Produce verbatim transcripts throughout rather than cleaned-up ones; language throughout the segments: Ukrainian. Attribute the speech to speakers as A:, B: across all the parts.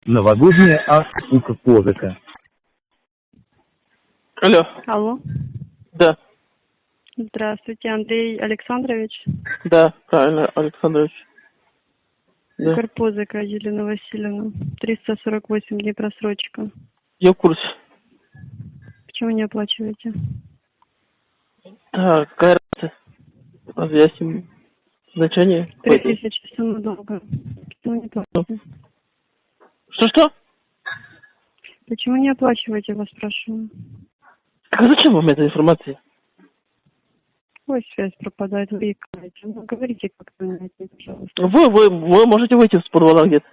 A: Новогодняя акция Козака.
B: Алло.
C: Алло.
B: Да.
C: Здравствуйте, Андрей Александрович.
B: Да, правильно, Александрович. Да.
C: Карпозыка Елена Васильевна. триста сорок восемь дней просрочка.
B: Я в курсе.
C: Почему не оплачиваете?
B: Так, какая разница? Разъясним значение.
C: Три тысячи сумма долга. Почему не платите?
B: Что-что?
C: Почему не оплачиваете, вас спрашиваю?
B: Так а зачем вам эта информация?
C: Ой, связь пропадает, вы икаете. Ну, говорите как-то, пожалуйста.
B: Вы, вы, вы можете выйти с подвала где-то?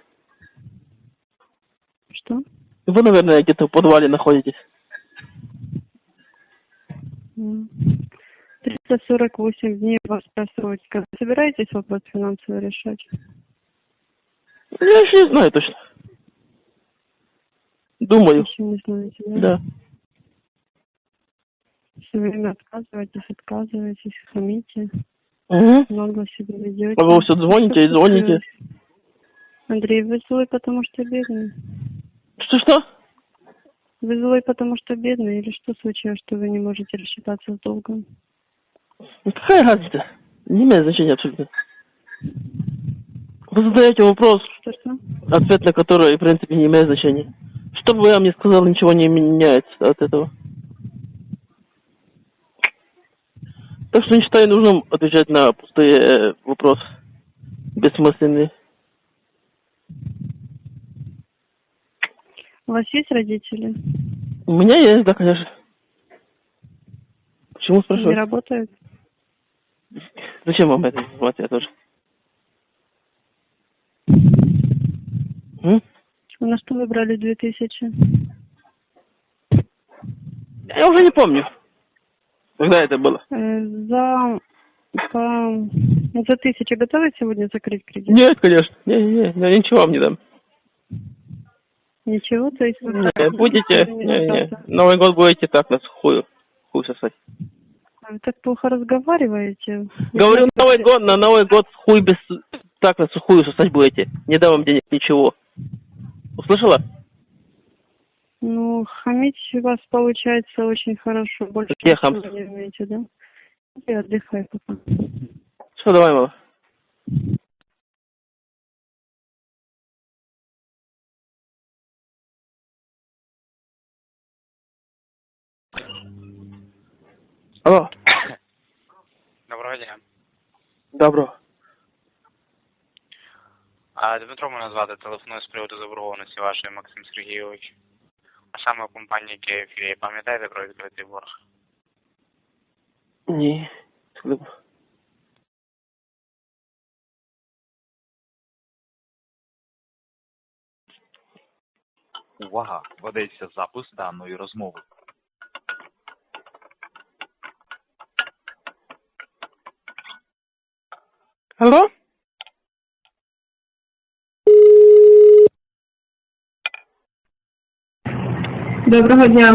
C: Что?
B: Вы, наверное, где-то в подвале находитесь.
C: триста сорок восемь дней у вас просрочка. Вы собираетесь вопрос финансово решать?
B: Я еще не знаю точно. Думаю.
C: Еще не знаете, да?
B: Да.
C: Все время отказываетесь, отказываетесь, хамите.
B: Угу.
C: Много себе ведете.
B: А вы все звоните и звоните.
C: Андрей, вы злой, потому что бедный?
B: Что-что?
C: Вы злой, потому что бедный? Или что случилось, что вы не можете рассчитаться с долгом?
B: Какая разница? Не имеет значения абсолютно. Вы задаете вопрос,
C: Что-что?
B: ответ на который, в принципе, не имеет значения. Что бы я вам ни сказал, ничего не меняется от этого. Так что не считаю нужным отвечать на пустые э, вопросы. Бессмысленные.
C: У вас есть родители?
B: У меня есть, да, конечно. Почему
C: Не
B: спрашиваете?
C: работают?
B: Зачем вам эта информация тоже? М?
C: На что вы брали две тысячи?
B: Я уже не помню. Когда это было?
C: Э, за... По... За тысячу готовы сегодня закрыть кредит?
B: Нет, конечно. Не, не, не, я ничего вам не дам.
C: Ничего, то есть... вы
B: Не,
C: так
B: будете,
C: не
B: не, не.
C: остаться?
B: Новый год будете так на сухую. Хуй сосать.
C: Вы так плохо разговариваете.
B: Говорю, Новый год, на Новый год хуй без... Так на сухую сосать будете. Не дам вам денег, ничего. Услышала?
C: Ну, хамить у вас получается очень хорошо. Больше
B: Где
C: ничего
B: хамство?
C: не умеете, да? И отдыхай пока.
B: Все, давай, мало. Алло.
D: Доброго дня.
B: Добро.
D: А Дмитро мене звати, телефоную з приводу заборгованості вашої, Максим Сергійович. А саме в компанії Київ. Пам'ятаєте про відкритий борг?
B: Ні.
E: Увага! Ведеться запис даної розмови.
B: Алло?
F: Доброго дня.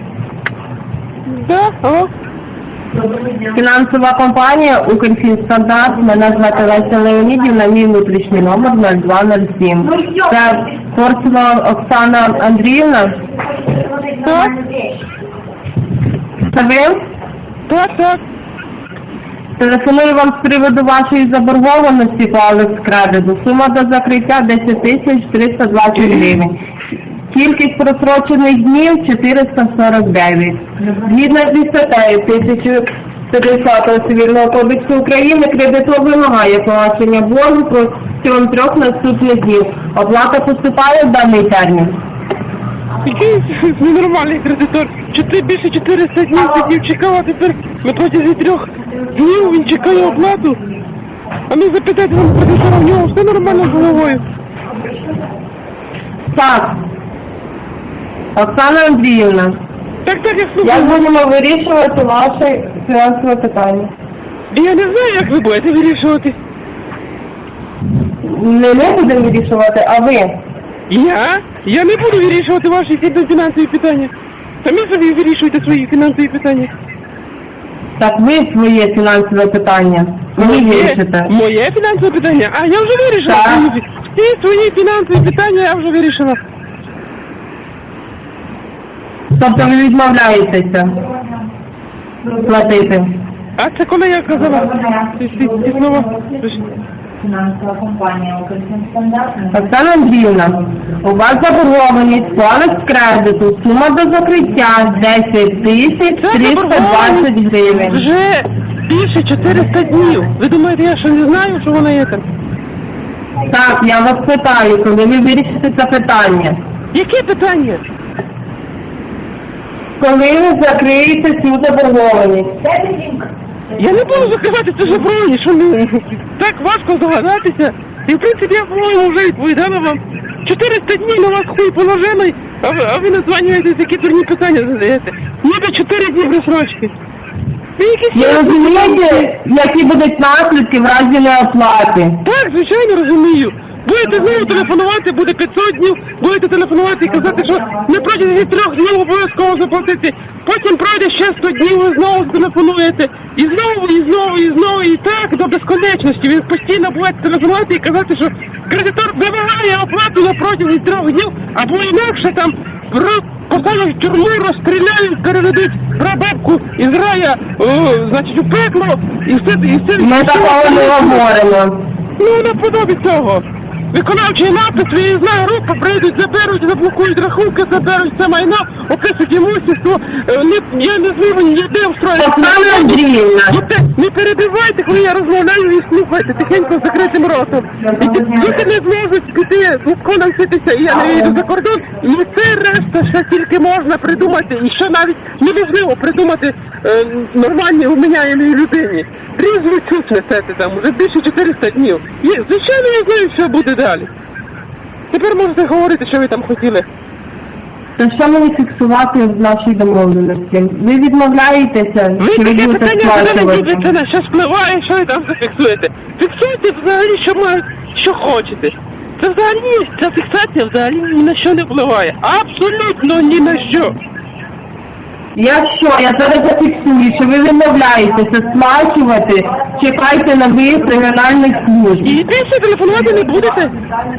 B: Да, алло?
F: Фінансова компанія «Укрфінстандарт». Мене звати Леся Леонідівна, мій внутрішній номер нуль два нуль сім. Це Корсунова Оксана Андріївна?
B: Так,
F: Це ви?
B: так, так.
F: Телефоную вам з приводу вашої заборгованості по Алекс-кредиту. Сума до закриття десять тисяч триста двадцять гривень. Кількість просрочених днів чотириста сорок дев'ять. Згідно зі статтею тисяча п'ятдесят Цивільного кодексу України, кредитор вимагає погашення боргу протягом трьох наступних днів. Оплата поступає в даний термін.
B: Який ненормальний кредитор? Чотири, більше чотириста днів сидів, чекав, а тепер на протязі трьох днів він чекає оплату. А ну запитайте вам кредитора, в нього все нормально з головою.
F: Так. Оксана Андріївна,
B: Так, так, я
F: як
B: слухаю.
F: будемо вирішувати ваше фінансове питання?
B: Я не знаю, як ви будете вирішувати.
F: Не ми будемо вирішувати, а ви.
B: Я? Я не буду вирішувати ваші фінансові питання. Самі собі вирішуйте свої фінансові питання.
F: Так ви своє фінансове питання. Ви вирішите.
B: Моє фінансове питання? А я вже вирішила.
F: Так.
B: свої. Всі свої фінансові питання я вже вирішила.
F: Тобто ви відмовляєтеся платити?
B: А це коли я казала? Ці, ці, ці слова.
G: Фінансова компанія «Укрфінстандарт».
F: Оксана Андріївна, у вас заборгованість по Алекс-кредиту, сума до закриття десять тисяч триста двадцять гривень.
B: Вже більше чотириста днів. Ви думаєте, я що не знаю, що вона є там?
F: Так, я вас питаю, коли ви вирішите це питання?
B: Яке питання?
F: Коли ви закриєте цю заборгованість?
B: Я не буду закривати це забороні, що не так важко здогадатися. І в принципі я, по-моєму, вже відповідала вам. чотириста днів на вас хуй положений, а ви, а ви названюєтесь, які дурні питання задаєте. Ніби чотири дні розсрочки. Ви якісь...
F: Ви розумієте, які будуть наслідки в разі неоплати?
B: Так, звичайно, розумію. Будете знову телефонувати, буде п'ятсот днів, будете телефонувати і казати, що на протязі трьох днів обов'язково заплатити. Потім пройде ще сто днів, ви знову телефонуєте. І знову, і знову, і знову, і так до безконечності. Ви постійно будете телефонувати і казати, що кредитор вимагає оплату на протязі трьох днів, або інакше там посадять в тюрму, розстріляють, переведуть прабабку із рая, о, значить, у пекло, і все, і все.
F: Ми такого не говоримо.
B: Ну, наподобі цього. Виконавчий напис, виїзна група, прийдуть, заберуть, заблокують рахунки, заберуть це майно, опишуть імущество, не, я не зможу ніде встроїти.
F: Оксана Андріївна.
B: Не перебивайте, коли я розмовляю, і слухайте, тихенько з закритим ротом. І Діти не зможуть піти, легко навчитися, і я не вийду за кордон, і це решта ще тільки можна придумати, і ще навіть неможливо придумати е, нормальній уміняємій людині. Різну чуть несете там, уже більше чотириста днів. І, звичайно, я знаю, що буде далі. Тепер можете говорити, що ви там хотіли.
F: Та що мені фіксувати в нашій домовленості? Ви відмовляєтеся,
B: Ви
F: чи ви
B: таке
F: будете
B: питання задали,
F: сплачувати?
B: це на що спливає, що ви там зафіксуєте. Фіксуйте взагалі, що мають, що хочете. Це взагалі, ця фіксація взагалі ні на що не впливає. Абсолютно ні на що.
F: Якщо я зараз зафіксую, що ви відмовляєтеся сплачувати, чекайте на виїзд регіональних служб.
B: І більше телефонувати не будете.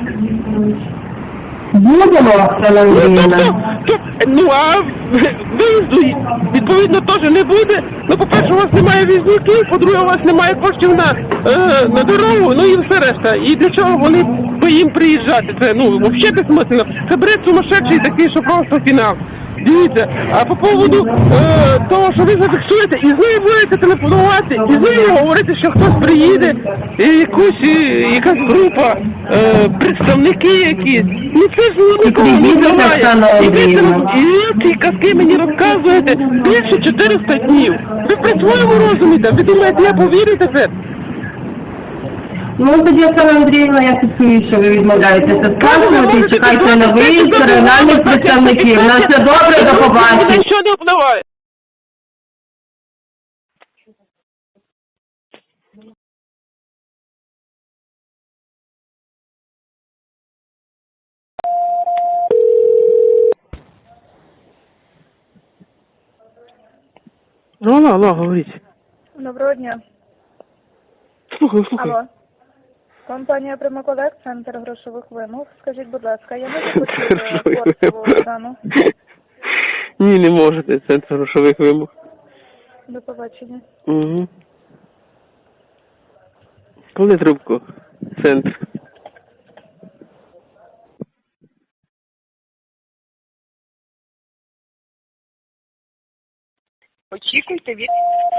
F: Будемо, Оксана
B: Ну,
F: Андріївна.
B: тобто, то- ну, а виїзду, відповідно, теж не буде. Ну, по-перше, у вас немає візників, по-друге, у вас немає коштів на, е, на дорогу, ну і все решта. І для чого вони по їм приїжджати? Це, ну, взагалі безсмислено. Це бред сумасшедший такий, що просто фінал. Дивіться, а по поводу е, того, що ви зафіксуєте, і знову будете телефонувати, і знову говорити, що хтось приїде, і якусь, і, якась група, е, представники якісь. Ну це ж нікого не
F: приїдете,
B: буває.
F: Оксана
B: І ви
F: Андріївна.
B: це- і ці казки мені розказуєте більше чотириста днів. Ви при своєму розумієте, ви думаєте, я повірю тепер?
F: Ну, тоді, Оксана Андріївна, я фіксую, що ви відмовляєтеся сплачувати і чекайте на виїзд регіональних представників. На все добре, до побачення.
B: Що не впливає? Ну, алло, алло, говоріть.
H: Доброго дня.
B: Слухаю, слухаю.
H: Алло. Компанія «Примаколект», центр грошових вимог. Скажіть, будь ласка, я можу почути Корсову Оксану?
B: Ні, не можете, центр грошових вимог.
H: До побачення.
B: Угу. Коли трубку? Центр.
H: Очікуйте від...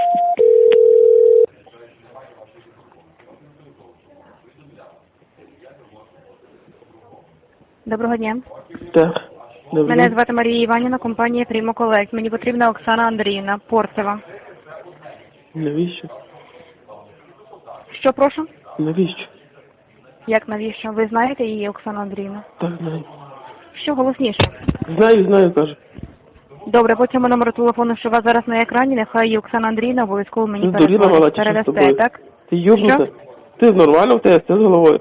C: Доброго дня.
B: Так. Добре.
C: Мене звати Марія Іванівна, компанія Primo Collect. Мені потрібна Оксана Андріївна, Порцева.
B: Навіщо?
C: Що, прошу?
B: Навіщо?
C: Як навіщо? Ви знаєте її, Оксану Андріївну?
B: Так, знаю.
C: Що голосніше?
B: Знаю, знаю, кажу.
C: Добре, по цьому номеру телефону, що у вас зараз на екрані, нехай її Оксана Андріївна обов'язково мені
B: Ну, здуріла мала,
C: перезвонить.
B: чи що з
C: Передасте,
B: тобою?
C: так?
B: Ти йобнута?
C: Що?
B: Ти нормально в тебе, все з головою.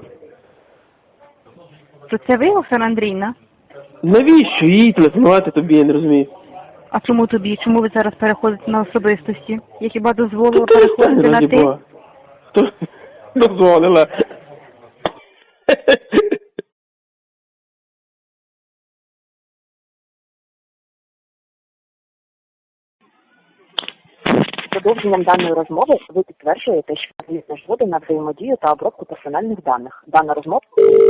C: То це ви, Оксана Андріївна?
B: Навіщо їй телефонувати тобі, я не розумію.
C: А чому тобі? Чому ви зараз переходите на особистості? Я хіба дозволила
B: Та перестань,
C: переходити на
B: раді
C: ти?
B: Бога. Хто дозволила?
I: Продовженням даної розмови ви підтверджуєте, що надаєте згоду на взаємодію та обробку персональних даних. Дана розмова...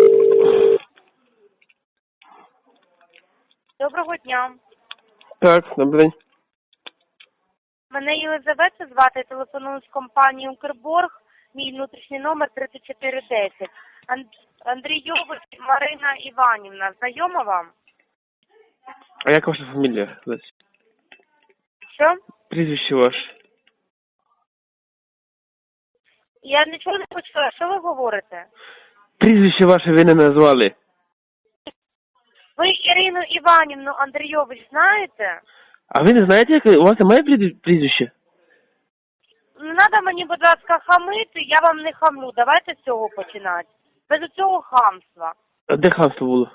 J: Доброго дня.
B: Так, добрий день.
J: Мене Єлизавета звати, телефоную з компанії Укрборг. Мій внутрішній номер тридцять чотири десять. Анд... Андрійович Марина Іванівна. Знайома вам?
B: А як ваша фамілія?
J: Що?
B: Прізвище ваше.
J: Я нічого не почула. Що ви говорите?
B: Прізвище ваше ви не назвали.
J: Ви Ірину Іванівну Андрійович знаєте?
B: А ви не знаєте, як у вас немає прізві- прізвища?
J: Не треба мені, будь ласка, хамити, я вам не хамлю. Давайте з цього починати. Без цього хамства.
B: А де хамство було?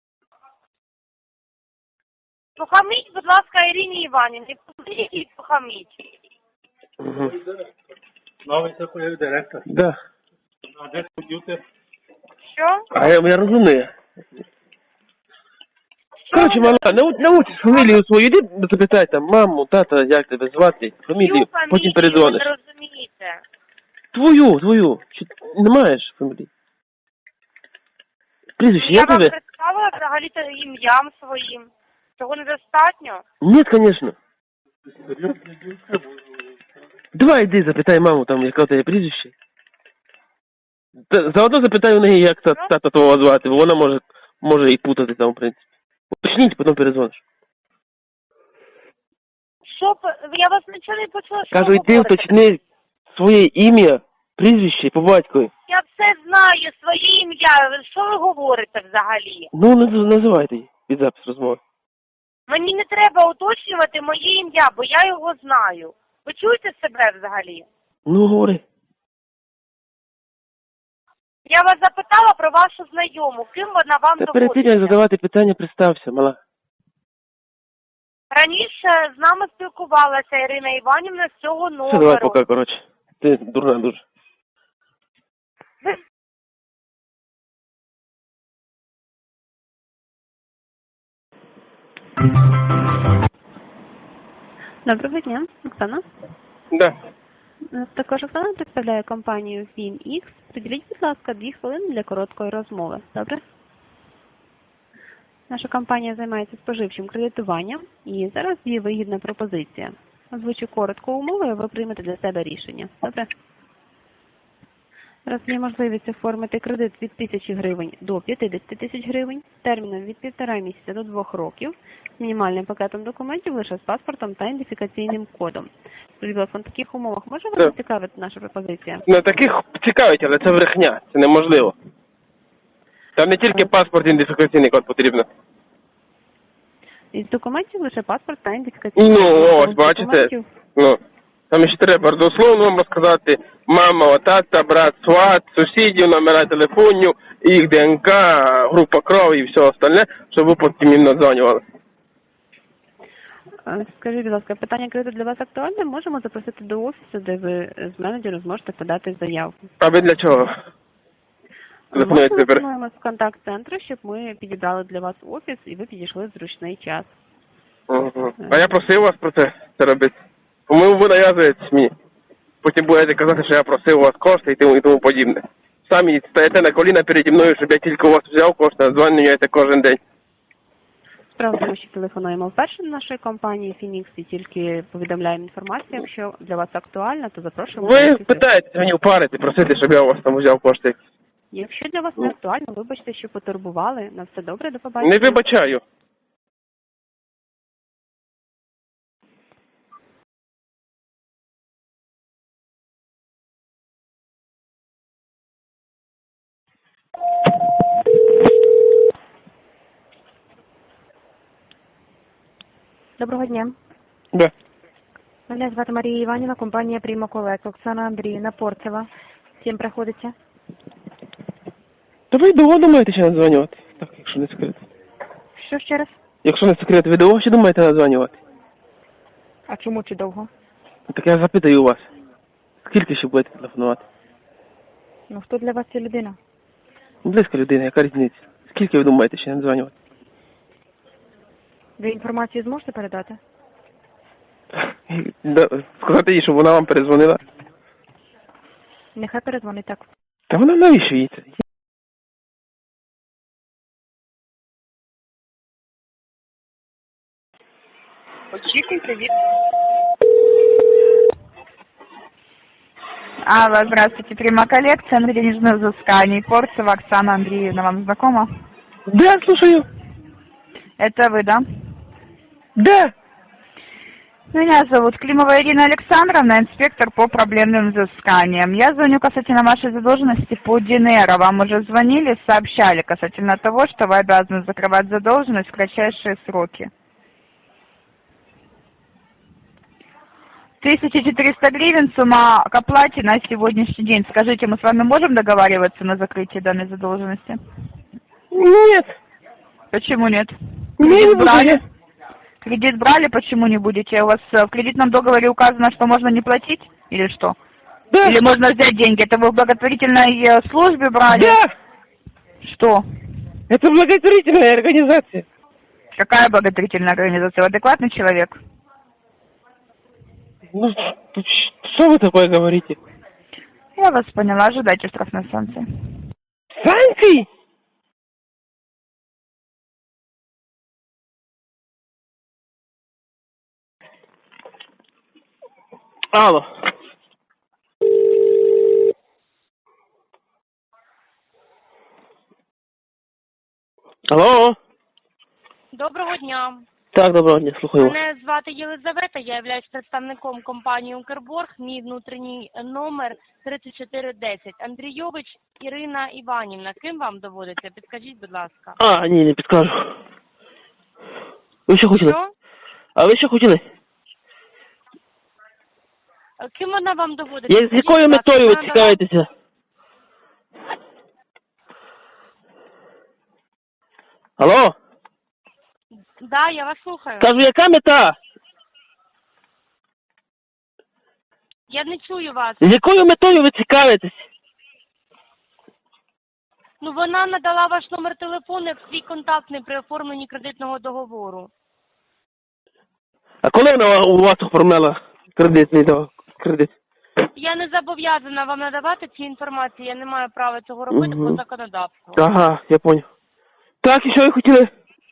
J: Ну, хаміть, будь ласка, Ірині Іванівні. Позвоніть і похаміть.
B: Угу.
A: Новий такий директор.
B: Да.
A: А де комп'ютер?
J: Що?
B: А я, я розумію.
J: Що
B: Короче,
J: ви-
B: мала, нау- научиш фамілію свою, іди запитай там маму, тата, як тебе звати, фамілію,
J: Чию
B: потім
J: фамілію
B: передзвониш.
J: ви не розумієте?
B: Твою, твою. Чи не маєш фамілії? Прізвище,
J: Я
B: як
J: вам
B: тебе?
J: представила взагалі-то ім'ям своїм. Цього недостатньо?
B: Ні, звісно. Давай йди, запитай маму, там, яке у тебе прізвище. Та, заодно запитай у неї, як та, тата твого звати, бо вона може, може і путати там, в принципі. Уточніть, потім передзвониш.
J: Що, п- я вас нічого не почула, що
B: Кажу,
J: ви
B: йди
J: говорите?
B: уточни своє ім'я, прізвище по батькові.
J: Я все знаю, своє ім'я. Що ви говорите взагалі?
B: Ну, наз- називайте її під запис розмови.
J: Мені не треба уточнювати моє ім'я, бо я його знаю. Ви чуєте себе взагалі?
B: Ну, говори.
J: Я вас запитала про вашу знайому. Ким вона вам
B: Та перед тим, як
J: доводиться?
B: задавати питання, представся, мала.
J: Раніше з нами спілкувалася Ірина Іванівна з цього
B: Все, давай
J: номеру.
B: пока, коротше. Ти дурна дуже.
J: Ви
C: Доброго дня, Оксана.
B: Да.
C: Е, Також Оксана представляє компанію FinX. Приділіть, будь ласка, дві хвилини для короткої розмови. Добре? Наша компанія займається споживчим кредитуванням і зараз є вигідна пропозиція. Озвучу коротко умови, а ви приймете для себе рішення. Добре? Зараз є можливість оформити кредит від тисячі гривень до п'ятдесят тисяч гривень, терміном від півтора місяця до двох років, з мінімальним пакетом документів лише з паспортом та ідентифікаційним кодом. Скажіть, будь ласка, на таких умовах може вас
B: Так.
C: зацікавити наша пропозиція?
B: Ну, таких цікавить, але це брехня. Це неможливо. Там не тільки паспорт, ідентифікаційний код потрібно.
C: Із документів лише паспорт та ідентифікаційний
B: Ну,
C: код.
B: ось,
C: З
B: бачите.
C: документів-
B: Ну, там ще треба дословно вам розказати мама, тата, брат, сват, сусідів, номера телефонів, їх ДНК, група крові і все остальне, щоб ви потім їм надзвонювали.
C: Е, Скажіть, будь ласка, питання кредиту для вас актуальне? Можемо запросити до офісу, де ви з менеджером зможете подати заявку.
B: А ви для чого?
C: Ми
B: Телефонуєте тепер.
C: телефонуємо з контакт-центру, щоб ми підібрали для вас офіс і ви підійшли в зручний час.
B: Угу. А я просив вас про це, це робити. По-моєму, ви нав'язуєтесь мені. Потім будете казати, що я просив у вас кошти і тому, і тому подібне. Самі стоїте на коліна переді мною, щоб я тільки у вас взяв кошти, а дзвонюєте кожен день.
C: Справа в тому, що телефонуємо вперше на нашої компанії Phoenix і тільки повідомляємо інформацію. Якщо для вас актуально, то запрошуємо. до
B: Ви
C: офісу.
B: питаєте мені впарити, просити, щоб я у вас там взяв кошти.
C: Якщо для вас не актуально, вибачте, що потурбували. На все добре, до побачення.
B: Не вибачаю.
K: Доброго дня.
B: Да.
K: Мене звати Марія Іванівна, компанія Primo Collect. Оксана Андріївна Порцева. Всім приходиться.
B: Та ви довго думаєте ще надзвонювати? Так, якщо не секрет.
K: Що ще раз?
B: Якщо не секрет, ви довго ще думаєте надзвонювати?
K: А чому чи довго?
B: Так я запитаю у вас. Скільки ще будете телефонувати?
K: Ну, хто для вас ця людина?
B: Близька людина, яка різниця? Скільки ви думаєте ще надзвонювати?
K: Ви інформацію зможете передати?
B: Да, сказати їй, щоб вона вам перезвонила.
K: Нехай перезвонить так.
B: Та вона навіщо їй це?
L: Очікуйте від...
M: Алло, здравствуйте, Прима коллекция, Андрей денежных взысканий, Порцева Оксана Андреевна, вам знакома?
B: Да, слушаю.
M: Это вы, да?
B: Да.
M: Меня зовут Климова Ирина Александровна, инспектор по проблемным взысканиям. Я звоню касательно вашей задолженности по ДНР. Вам уже звонили, сообщали касательно того, что вы обязаны закрывать задолженность в кратчайшие сроки. тысяча четыреста гривен сумма к оплате на сегодняшний день. Скажите, мы с вами можем договариваться на закрытие данной задолженности?
B: Нет.
M: Почему нет?
B: Не
M: Кредит брали?
B: буду.
M: Кредит брали, почему не будете? У вас в кредитном договоре указано, что можно не платить? Или что?
B: Да.
M: Или можно взять деньги? Это вы в благотворительной службе брали?
B: Да.
M: Что?
B: Это благотворительная организация.
M: Какая благотворительная организация? Вы адекватный человек?
B: Ну, что вы такое говорите?
M: Я вас поняла. Ожидайте штрафной санкции.
B: Санкции? Алло. Алло.
J: Доброго дня.
B: Так, доброго дня, слухаю вас.
J: Мене звати Єлизавета, я являюсь представником компанії «Укрборг». Мій внутрішній номер тридцять чотири десять. Андрійович Ірина Іванівна. Ким вам доводиться? Підскажіть, будь ласка.
B: А, ні, не підкажу. Ви що хотіли?
J: Що?
B: А ви що хотіли?
J: Ким вона вам доводиться?
B: Я, з якою метою ви цікавитеся? Алло?
J: Да, я вас слухаю.
B: Кажу, яка мета?
J: Я не чую вас.
B: З якою метою ви цікавитесь?
J: Ну, вона надала ваш номер телефону як свій контактний при оформленні кредитного договору.
B: А коли вона у вас оформляла кредитний договор? Кредит?
J: Я не зобов'язана вам надавати ці інформації, я не маю права цього робити
B: Угу.
J: по законодавству.
B: Ага, я понял. Так, і що ви хотіли?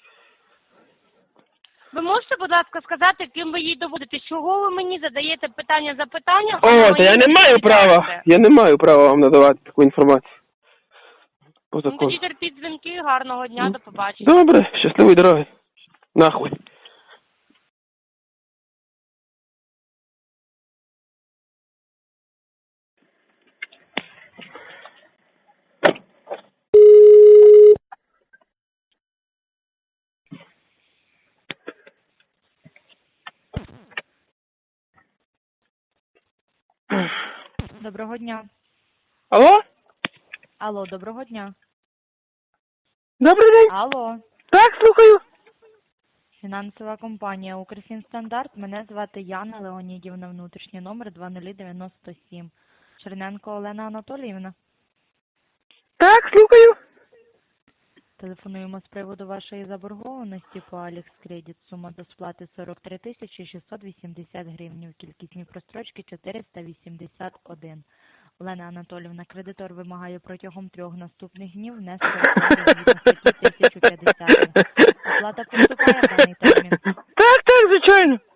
J: Ви можете, будь ласка, сказати, ким ви їй доводите? Чого ви мені задаєте питання за питання?
B: О, та я не маю права. Я не маю права вам надавати таку інформацію. По
J: Ну,
B: закону.
J: тоді терпіть дзвінки, гарного дня, до побачення.
B: Добре, щасливої дороги. Нахуй.
N: Доброго дня.
B: Алло?
N: Алло, доброго дня.
B: Добрий день.
N: Алло.
B: Так, слухаю.
N: Фінансова компанія «Укрфінстандарт». Мене звати Яна Леонідівна, внутрішній номер два нуль дев'ять сім. Черненко Олена Анатоліївна.
B: Так, слухаю.
N: Телефонуємо з приводу вашої заборгованості по Алекс Кредит. Сума до сплати сорок три тисячі шістсот вісімдесят гривень. Кількісні прострочки чотириста вісімдесят один. Олена Анатоліївна, кредитор вимагає протягом трьох наступних днів внести оплату згідно статті тисяча п'ятдесят. Оплата поступає в даний термін.
B: Так, так, звичайно.